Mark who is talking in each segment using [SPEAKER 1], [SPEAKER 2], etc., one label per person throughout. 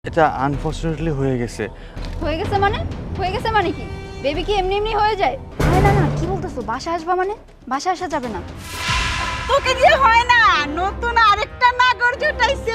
[SPEAKER 1] এটা আনফরচুনেটলি হয়ে গেছে।
[SPEAKER 2] হয়ে গেছে মানে? হয়ে গেছে মানে কি? বেবি কি এমনি এমনি হয়ে যায়? আরে না না, কি বলতেছো? বাসায় আসবা মানে? বাসায় আসা যাবে না।
[SPEAKER 3] তোকে দিয়ে হয় না, নতুন আরেকটা নাগর জুটাইছে।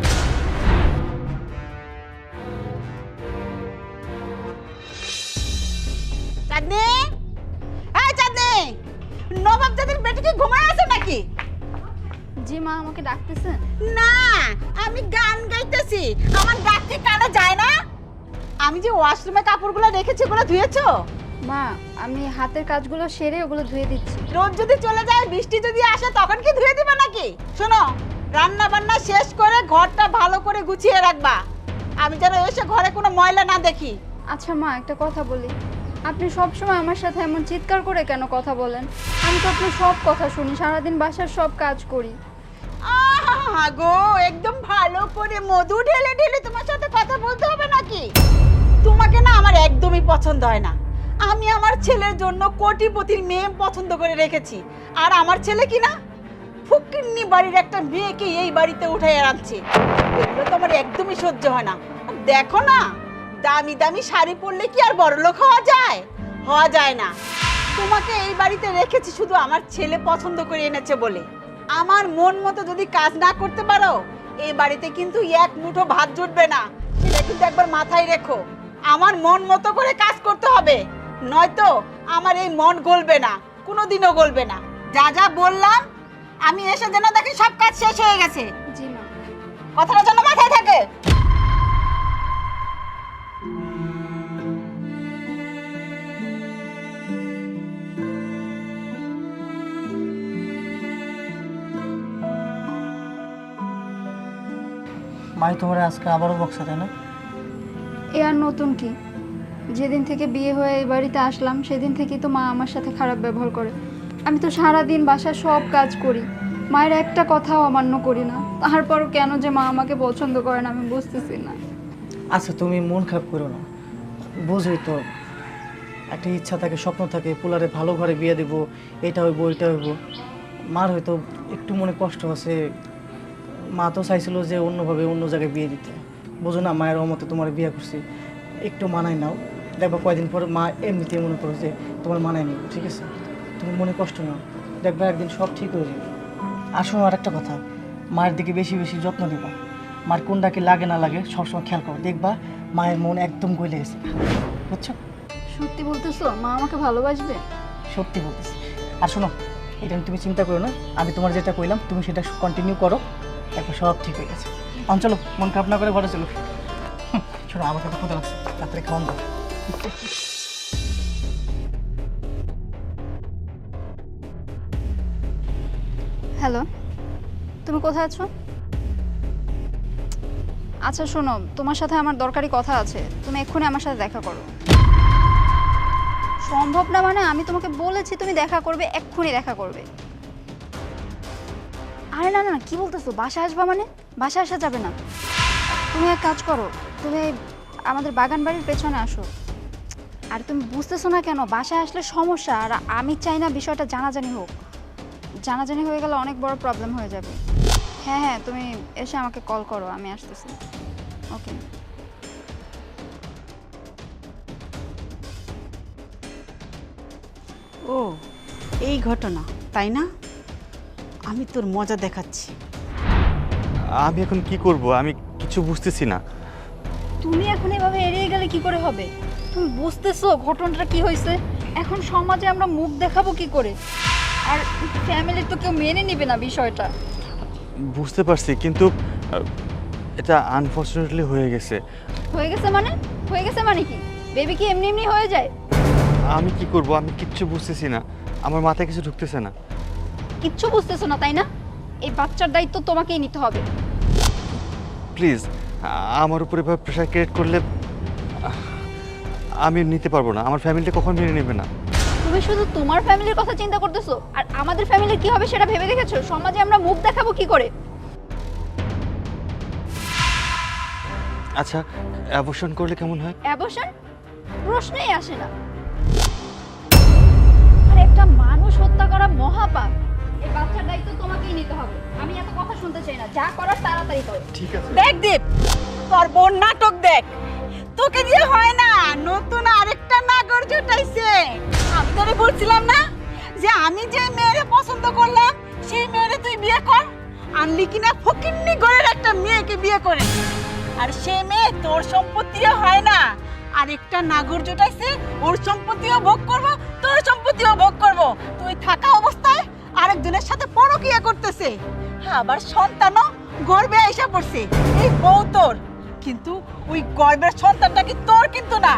[SPEAKER 3] চাঁদনি, হ্যাঁ চাঁদনি, নবাব জাতির বেটি কি ঘুমায় আছে নাকি?
[SPEAKER 2] জি মা, আমাকে ডাকতেছেন?
[SPEAKER 3] না, আমি গান গাইতেছি। আমার ডাক কি কানে যায় না? আমি যে ওয়াশরুমে কাপড়গুলো রেখেছি ওগুলো ধুয়েছো?
[SPEAKER 2] মা, আমি হাতের কাজগুলো সেরে ওগুলো ধুয়ে দিচ্ছি।
[SPEAKER 3] রোদ যদি চলে যায়, বৃষ্টি যদি আসে, তখন কি ধুয়ে দিবা নাকি? শোনো, রান্না বান্না শেষ করে ঘরটা ভালো করে গুছিয়ে রাখবা। আমি যেন এসে ঘরে কোনো ময়লা না দেখি।
[SPEAKER 2] আচ্ছা মা, একটা কথা বলি। আপনি সব সময় আমার সাথে এমন চিৎকার করে কেন কথা বলেন? আমি তো আপনার সব কথা শুনি, সারাদিন বাসার সব কাজ করি।
[SPEAKER 3] আহা গো, একদম ভালো করে মধু ঢেলে ঢেলে তোমার সাথে কথা বলতে হবে নাকি? তোমাকে না আমার একদমই পছন্দ হয় না। আমি আমার ছেলের জন্য কোটিপতির মেয়ে পছন্দ করে রেখেছি, আর আমার ছেলে কি না ফকিন্নি বাড়ির একটা মেয়েকে এই বাড়িতে উঠাই আনছে। এগুলো তো আমার একদমই সহ্য হয় না। আর দেখো না, দামি দামি শাড়ি পরলে কি আর বড়লোক হওয়া যায়? হওয়া যায় না। তোমাকে এই বাড়িতে রেখেছি শুধু আমার ছেলে পছন্দ করে এনেছে বলে। আমার মন মতো যদি কাজ না করতে পারো, এই বাড়িতে কিন্তু এক মুঠো ভাত জুটবে না। সেটা কিন্তু একবার মাথায় রেখো। আমার মন মতো করে কাজ করতে হবে, নয়তো আমার এই মন গলবে না, কোনোদিনও গলবে না। যা যা বললাম, আমি এসে যেন দেখি সব কাজ শেষ হয়ে গেছে।
[SPEAKER 2] জি মা।
[SPEAKER 3] কথাটা যেন মাথায় থাকে।
[SPEAKER 4] মাই তোমার আজকে আবারও বকছে, তাই না?
[SPEAKER 2] এ আর নতুন কি? যেদিন থেকে বিয়ে হয়ে এই বাড়িতে আসলাম সেদিন থেকেই তো মা আমার সাথে খারাপ ব্যবহার করে। আমি তো সারাদিন বাসার সব কাজ করি, মায়ের একটা কথাও অমান্য করি না। তারপরও কেন যে মা আমাকে পছন্দ করে না আমি বুঝতেছি না।
[SPEAKER 4] আচ্ছা, তুমি মন খারাপ করো না। বুঝই তো, একটা ইচ্ছা থাকে, স্বপ্ন থাকে, পোলারে ভালো ঘরে বিয়ে দেবো, এটা হইব এটা হইব। মার হয়তো একটু মনে কষ্ট আছে। মা তো চাইছিল যে অন্যভাবে অন্য জায়গায় বিয়ে দিতে। বোঝো না, মায়ের অমতে তোমার বিয়ে করছি, একটু মানায় নাও। দেখবা কয়দিন পরে মা এমনিতেই মনে করো যে তোমার মানায় নিব, ঠিক আছে? তুমি মনে কষ্ট নাও, দেখবা একদিন সব ঠিক হয়ে যাবে। আর শোনো, আর একটা কথা, মায়ের দিকে বেশি বেশি যত্ন নিবা। মার কোনটা কি লাগে না লাগে সবসময় খেয়াল করো, দেখবা মায়ের মন একদম গলে গেছে, বুঝছো?
[SPEAKER 2] সত্যি বলতেছো? মা আমাকে ভালোবাসবে?
[SPEAKER 4] সত্যি বলতেছি। আর শোনো, এটা নিয়ে তুমি চিন্তা করো না, আমি তোমার যেটা কইলাম তুমি সেটা কন্টিনিউ করো, একবার সব ঠিক হয়ে গেছে। চলো, মন খারাপ না করে ঘরে চলো। শোনো, আমাকে তো ক্ষুধা লাগছে, তাড়াতাড়ি খাওয়ান দাও।
[SPEAKER 2] হ্যালো, তুমি কোথায় আছো? আচ্ছা শোনো, তোমার সাথে আমার দরকারি কথা আছে, তুমি এক্ষুনি আমার সাথে দেখা করো। সম্ভব না মানে? আমি তোমাকে বলেছি তুমি দেখা করবে, এক্ষুনি দেখা করবে। আরে না না, কি বলতেছো? বাসায় আসবা মানে? বাসায় আসা যাবে না। তুমি এক কাজ করো, তুমি আমাদের বাগান বাড়ির পেছনে আসো। আর তুমি বুঝতেছো না কেন? বাসায় আসলে সমস্যা, আর আমি চাই না বিষয়টা জানাজানি হোক। জানাজানি হয়ে গেলে অনেক বড় প্রবলেম হয়ে যাবে। হ্যাঁ হ্যাঁ, তুমি এসে আমাকে কল করো, আমি আসতেছি। ওকে।
[SPEAKER 3] ও, এই ঘটনা, তাই না? আমি তোর মজা দেখাচ্ছি।
[SPEAKER 1] আমি এখন কি করব? আমি কিছু বুঝতেছি না।
[SPEAKER 2] তুমি এখন এভাবে এড়িয়ে গেলে কি করে হবে? তুমি বুঝতেছো ঘটনাটা কি হয়েছে? এখন সমাজে আমরা মুখ দেখাবো কি করে? আর ফ্যামিলির তো কেউ মেনে নেবে না বিষয়টা।
[SPEAKER 1] বুঝতে পারছি, কিন্তু এটা আনফরচুনেটলি হয়ে গেছে।
[SPEAKER 2] হয়ে গেছে মানে? হয়ে গেছে মানে কি? বেবি কি এমনি এমনি হয়ে যায়?
[SPEAKER 1] আমি কি করব? আমি কিচ্ছু বুঝতেছি না, আমার মাথায় কিছু ঢুকতেছে না।
[SPEAKER 2] কিচ্ছু বুঝতেছো না তাই না? এই বাচ্চার দায়িত্ব তোমাকেই নিতে হবে।
[SPEAKER 1] প্লিজ, আমার উপরে এভাবে প্রেশার ক্রিয়েট করলে আমি নিতে পারবো না। আমার ফ্যামিলিটা কখন মেনে নেবে না।
[SPEAKER 2] তুমি শুধু তোমার ফ্যামিলির কথা চিন্তা করতেছো, আর আমাদের ফ্যামিলির কি হবে সেটা ভেবে দেখেছো? সমাজে আমরা মুখ দেখাবো কি করে?
[SPEAKER 1] আচ্ছা, অ্যাবর্শন করলে কেমন হয়?
[SPEAKER 2] অ্যাবর্শন? প্রশ্নই আসে না। আর একটা মানুষ হত্যা করা মহাপাপ। এই বাচ্চার দায়িত্ব তোমাকেই নিতে হবে। আমি এত কথা শুনতে চাই না, যা করার তাড়াতাড়ি করো।
[SPEAKER 1] ঠিক আছে।
[SPEAKER 3] দেখ দীপ, তোর বোন নাটক দেখ, তোকে দিয়ে হয় না, নতুন আরেকটা নাগর জুটাইছে। আমি তোরে বলছিলাম না যে আমি যে মেয়েরে পছন্দ করলাম সেই মেয়েরে তুই বিয়ে কর, আনলি কিনা ফকিন্নি ঘরের একটা মেয়েকে বিয়ে করে। আর সে মেয়ে তোর সম্পত্তিও হয় না, আরেকটা নাগর জুটাইছে, ওর সম্পত্তিও ভোগ করব, তোর সম্পত্তিও ভোগ করব। তুই থাকা অবস্থায় আরেকজনের সাথে পরকিয়া করতেছে, আবার সন্তানও গর্ভে এসে পড়ছে। এই বউ তোর, কিন্তু ওই গর্ভের সন্তানটা কি তোর কিন্তু না।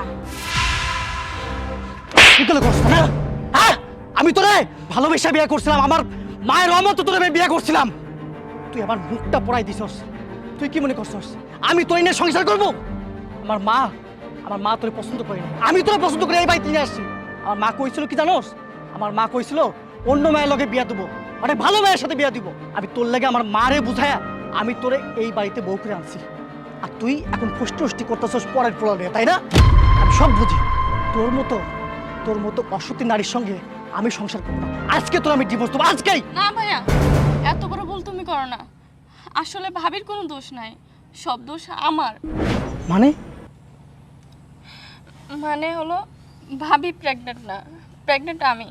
[SPEAKER 4] বিকেলে করছ না? হ্যাঁ, আমি তোরে ভালোবেসে বিয়ে করছিলাম, আমার মায়ের রহমতে তোরে আমি বিয়ে করছিলাম। তুই আমার মুখটা পড়াই দিছস। তুই কি মনে করছস আমি তোর নিয়ে সংসার করব? আমার মা তোরে পছন্দ করে না, আমি তোরে পছন্দ করে এই বাড়িতে নিয়ে আসছি। আমার মা কইছিল কি জানোস? আমার মা কইছিল অন্য মায়ের লগে বিয়া দেবো, মানে ভালো মায়ের সাথে বিয়া দিব। আমি তোর লাগে আমার মারে বুঝায়া আমি তোরে এই বাড়িতে বউ করে আনছি। আর তুই এখন ফুষ্টি করতেছস পরের পোলারে, তাই না? আমি সব বুঝি। তোর মতো অসতী নারীর সঙ্গে আমি সংসার করবো না। আজকে তোর আমি ডিভোর্স দেবো, আজকেই।
[SPEAKER 5] না ভাইয়া, এত বড় ভুল তুমি করো না। আসলে ভাবির কোনো দোষ নাই, সব দোষ আমার। মানে হলো ভাবি প্রেগনেন্ট না, প্রেগনেন্ট আমি।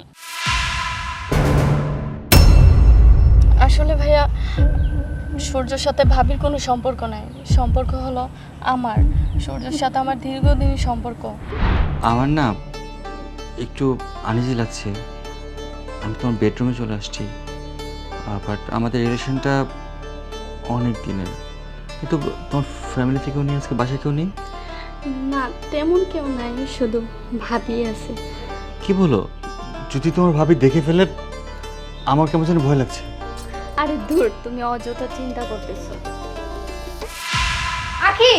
[SPEAKER 5] আসলে ভাইয়া সূর্যর সাথে ভাবির কোনো সম্পর্ক নাই, সম্পর্ক হলো আমার। সূর্যের সাথে আমার দীর্ঘদিনের সম্পর্ক।
[SPEAKER 1] আমার না একটু আনইজি লাগছে। আমি তোমার বেডরুমে চলে আসছি, বাট আমাদের রিলেশনটা অনেক দিনের। কিন্তু তোমার ফ্যামিলি থেকেও নেই, আজকে বাসায় কেউ নেই?
[SPEAKER 5] না, তেমন কেউ নাই, শুধু ভাবি আছে।
[SPEAKER 1] কি বলো? যদি তোমার ভাবি দেখে ফেলে আমার কেমন যেন ভয় লাগছে।
[SPEAKER 5] আরে দূর, তুমি অযথা চিন্তা করতেছো।
[SPEAKER 2] আখি,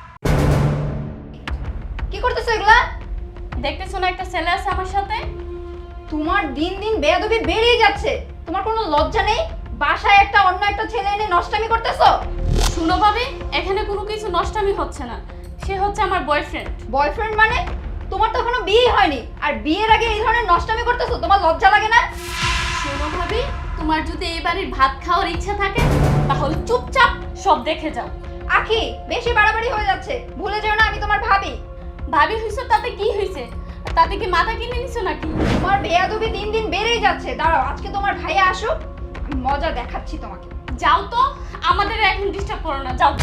[SPEAKER 2] কি করতেছো এগুলা?
[SPEAKER 5] দেখতেছো না একটা ছেলে আছে আমার সাথে?
[SPEAKER 2] তোমার দিন দিন বেয়াদবি বেড়েই যাচ্ছে। তোমার কোনো লজ্জা নেই? বাসায় একটা অন্য একটা ছেলে এনে নষ্টামি করতেছো।
[SPEAKER 5] শুনো ভাবি, এখানে কোনো কিছু নষ্টামি হচ্ছে না, সে হচ্ছে আমার বয়ফ্রেন্ড।
[SPEAKER 2] বয়ফ্রেন্ড মানে? তোমার তো এখনো বিয়ে হয়নি, আর বিয়ের আগে এই ধরনের নষ্টামি করতেছো, তোমার লজ্জা লাগে না?
[SPEAKER 5] শোনো ভাবি, তোমার যদি এই বাড়ির ভাত খাওয়ার ইচ্ছা থাকে তাহলে চুপচাপ সব দেখে যাও।
[SPEAKER 2] আখি, বেশি বাড়াবাড়ি হয়ে যাচ্ছে। ভুলে যেও না আমি তোমার ভাবি।
[SPEAKER 5] ভাবি হইছো তাতে কি হয়েছে? তাতে কি মাথা কিনে নিছো নাকি?
[SPEAKER 2] তোমার বেয়াদবি দিন দিন বেড়েই যাচ্ছে। দাঁড়াও, আজকে তোমার ভাইয়া আসুক, আমি মজা দেখাচ্ছি তোমাকে।
[SPEAKER 5] যাও তো, আমাদের এখন ডিস্টার্ব করো না, যাও।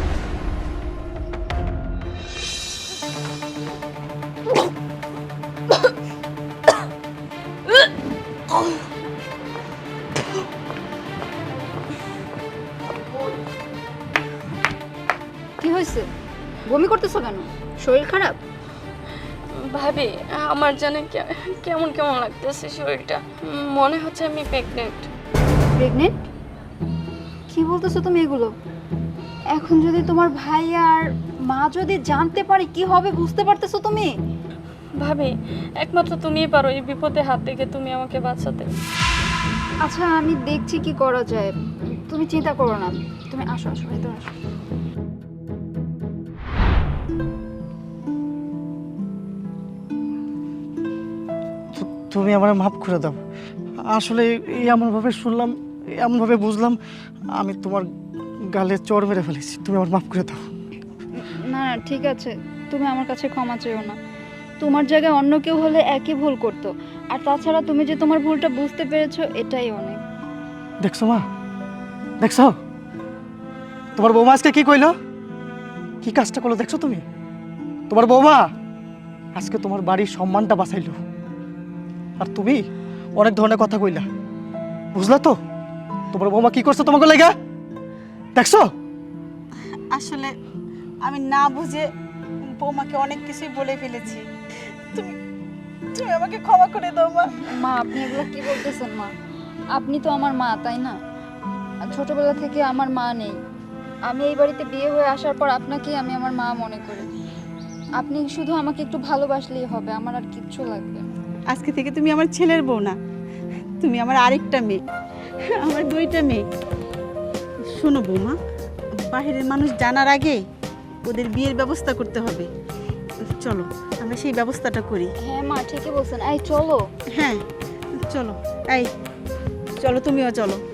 [SPEAKER 2] কি হয়েছে? বমি করতেছো কেন? শরীর খারাপ?
[SPEAKER 5] ভাবি, আমার জানে কেমন কেমন লাগতেছে শরীরটা, মনে হচ্ছে আমি প্রেগনেন্ট।
[SPEAKER 2] প্রেগনেন্ট? কি বলতেছো তুমি এগুলো? এখন যদি তোমার ভাই আর মা যদি জানতে পারে কি হবে, বুঝতে পারতেছো তুমি?
[SPEAKER 5] ভাবি, একমাত্র তুমিই পারো এই বিপদে হাত থেকে তুমি আমাকে বাঁচাতে।
[SPEAKER 2] আচ্ছা, আমি দেখছি কি করা যায়। তুমি চিন্তা করো না, তুমি আসো আসো, ভেতরে আসো।
[SPEAKER 4] তুমি আমার মাফ করে দাও। আসলে এমনভাবে শুনলাম, এমনভাবে বুঝলাম, আমি তোমার গালে চড় মেরে ফেলেছি। তুমি আমার মাফ করে দাও।
[SPEAKER 2] না না, ঠিক আছে, তুমি আমার কাছে ক্ষমা চেও না। তোমার জায়গায় অন্য কেউ হলে একই ভুল করতো। আর তাছাড়া তুমি যে তোমার ভুলটা বুঝতে পেরেছো, এটাই অনেক।
[SPEAKER 4] দেখছো মা, দেখছো তোমার বৌমা আজকে কি কইলো, কি কাজটা করলো দেখছো তুমি? তোমার বৌমা আজকে তোমার বাড়ির সম্মানটা বাঁচাইলো, আর তুমি অনেক ধরনের কথা কইলা। বুঝলা তো তোমার বৌমা কি করছে তোমাকে লেগা? দেখছো?
[SPEAKER 3] আসলে আমি না বুঝে বৌমাকে অনেক কিছুই বলে ফেলেছি। তুমি তুমি আমাকে ক্ষমা করে দাও মা।
[SPEAKER 2] মা, আপনি এগুলো কি বলতেছেন মা? আপনি তো আমার মা, তাই না? আর ছোটবেলা থেকে আমার মা নেই। আমি এই বাড়িতে বিয়ে হয়ে আসার পর আপনাকেই আমি আমার মা মনে করি। আপনি শুধু আমাকে একটু ভালোবাসলেই হবে, আমার আর কিচ্ছু লাগবে না।
[SPEAKER 3] আজকে থেকে তুমি আমার ছেলের বউ না, তুমি আমার আরেকটা মেয়ে, আমার দুইটা মেয়ে। শোনো বৌমা, বাহিরের মানুষ জানার আগে ওদের বিয়ের ব্যবস্থা করতে হবে। চলো আমরা সেই ব্যবস্থাটা করি।
[SPEAKER 2] হ্যাঁ মা, ঠিকই বলছেন। এই চলো।
[SPEAKER 3] হ্যাঁ চলো, এই চলো, তুমিও চলো।